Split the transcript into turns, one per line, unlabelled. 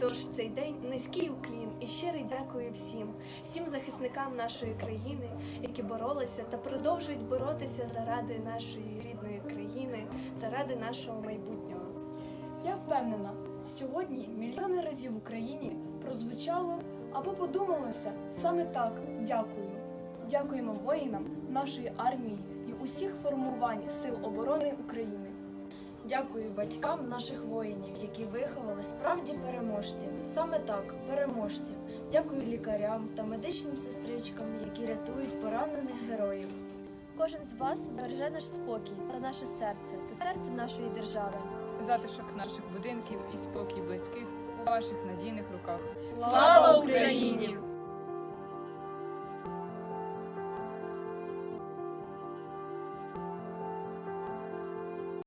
Тож в цей день низький уклін і щирий дякую всім захисникам нашої країни, які боролися та продовжують боротися заради нашої рідної країни, заради нашого майбутнього.
Я впевнена, сьогодні мільйони разів в Україні прозвучало або подумалося саме так «дякую». Дякуємо воїнам нашої армії і усіх формувань Сил оборони України.
Дякую батькам наших воїнів, які виховали справді переможців. Саме так, переможців. Дякую лікарям та медичним сестричкам, які рятують поранених героїв.
Кожен з вас береже наш спокій та наше серце, та серце нашої держави.
Затишок наших будинків і спокій близьких у ваших надійних руках.
Слава Україні!